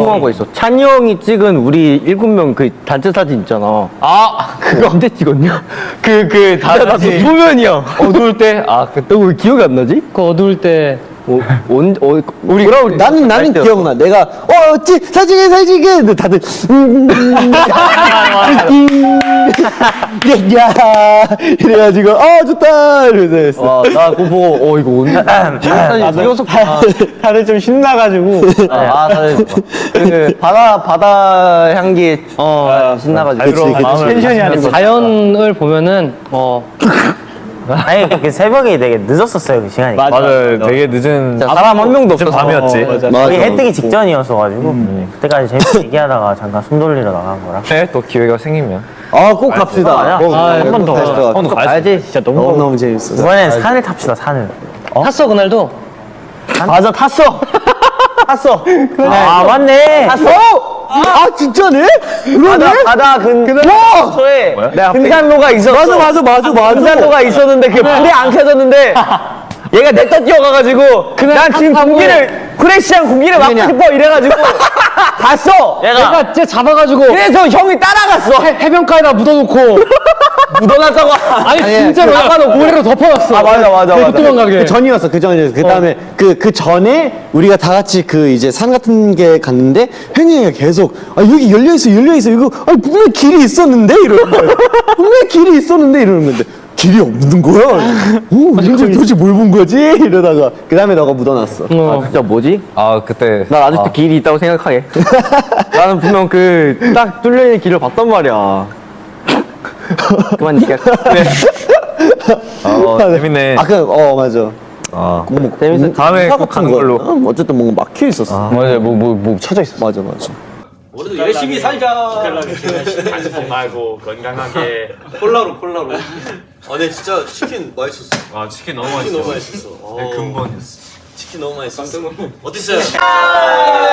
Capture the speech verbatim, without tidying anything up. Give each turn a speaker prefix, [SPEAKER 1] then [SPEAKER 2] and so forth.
[SPEAKER 1] 궁금한 거 있어. 찬이 형이 찍은 우리 일곱 명 그 단체 사진 있잖아.
[SPEAKER 2] 아
[SPEAKER 1] 그거 언제 찍었냐?
[SPEAKER 2] 그 그
[SPEAKER 1] 나도
[SPEAKER 2] 다시
[SPEAKER 1] 소면이야.
[SPEAKER 2] 어두울 때 아
[SPEAKER 1] 너 왜 기억이 안 나지?
[SPEAKER 3] 그 어두울 때
[SPEAKER 1] 어, 온, 어, 우리 뭐라 우리
[SPEAKER 4] 나는 나는 기억나. 내가 어, 찌 사진에 사진에 근데 다들 음, 음, 음, 야, 야 이래가지고 어 좋다 이러면서 했어.
[SPEAKER 1] 와, 나 그거 보고 어 이거 온다. 사진 찍어서
[SPEAKER 3] 다들 좀 신나가지고
[SPEAKER 1] 아, 다들 그 바다 바다 향기 어 신나가지고
[SPEAKER 4] 그치, 그치.
[SPEAKER 3] 텐션이 아니고 자연을 보면은 어
[SPEAKER 5] 아니 그 새벽이 되게 늦었었어요 그 시간이.
[SPEAKER 2] 맞아요. 되게 늦은
[SPEAKER 1] 사람 한 명도
[SPEAKER 2] 늦은
[SPEAKER 1] 없어서
[SPEAKER 2] 밤이었지.
[SPEAKER 4] 맞아.
[SPEAKER 5] 거의 해 뜨기 직전이었어가지고 네. 그때까지 재밌게 얘기하다가 잠깐 숨 돌리러 나간 거라.
[SPEAKER 2] 네, 또 기회가 생기면
[SPEAKER 4] 아꼭 갑시다. 꼭,
[SPEAKER 3] 아,
[SPEAKER 4] 꼭
[SPEAKER 3] 한번 더.
[SPEAKER 4] 다시 또
[SPEAKER 2] 한번 더
[SPEAKER 1] 가야지. 진짜 너무
[SPEAKER 4] 너무 너무 재밌어.
[SPEAKER 5] 이번엔 산을 탑시다 산을.
[SPEAKER 3] 탔어 그날도.
[SPEAKER 1] 맞아 탔어. 탔어.
[SPEAKER 5] 아 맞네.
[SPEAKER 4] 아 진짜네? 그러네?
[SPEAKER 1] 바다 근 근처에 등산로가 있었어.
[SPEAKER 4] 맞아 맞아 맞아 맞아.
[SPEAKER 1] 등산로가 있었는데 그게 불이 안 켜졌는데 얘가 냅다 뛰어가가지고 난 지금 공기를 프레시한 공기를 막고
[SPEAKER 4] 그냥.
[SPEAKER 1] 싶어 이래가지고 갔어.
[SPEAKER 3] 내가 쟤 잡아가지고
[SPEAKER 1] 그래서 형이 따라갔어.
[SPEAKER 3] 해변가에다 묻어놓고
[SPEAKER 1] 묻어놨다고.
[SPEAKER 3] 아니 진짜로 잡아놓고 모래로 덮어놨어.
[SPEAKER 1] 아 맞아 맞아 맞아.
[SPEAKER 3] 못 도망가게.
[SPEAKER 4] 그 전이었어 그 전이었어. 그 다음에 그 그 전에 우리가 다 같이 그 이제 산 같은 게 갔는데 현영이가 계속 아 여기 열려 있어 열려 있어 이거 아 분명 길이 있었는데 이러는 거야. 분명 길이 있었는데 이러는 건데. 길이 없는 거야. 오, 이거 도대체 뭘 본 거지? 이러다가 그 다음에 너가 묻어놨어.
[SPEAKER 1] 아, 진짜 뭐지?
[SPEAKER 2] 아 그때
[SPEAKER 1] 난 아직도 길이 있다고 생각하게. 나는 분명 그 딱 뚫려 있는 길을 봤단 말이야. 그만 얘기해.
[SPEAKER 2] 어, 재밌네.
[SPEAKER 4] 아, 그, 어, 맞아.
[SPEAKER 2] 아
[SPEAKER 4] 뭐,
[SPEAKER 1] 재밌어.
[SPEAKER 2] 다음에 꼭 가는 걸로.
[SPEAKER 4] 어, 어쨌든 뭔가 막혀 있었어.
[SPEAKER 2] 맞아요. 뭐 뭐 뭐 쳐져 있어.
[SPEAKER 4] 맞아, 맞아.
[SPEAKER 6] 우리도 열심히 살자. 단속 말고 건강하게. 콜라로 콜라로.
[SPEAKER 7] 아, 네 진짜 치킨 맛있었어.
[SPEAKER 6] 아 치킨 너무
[SPEAKER 7] 치킨
[SPEAKER 6] 맛있어.
[SPEAKER 7] 너무 맛있었어. 어,
[SPEAKER 6] 근본이었어.
[SPEAKER 7] 치킨 너무 맛있었어. 어땠어요?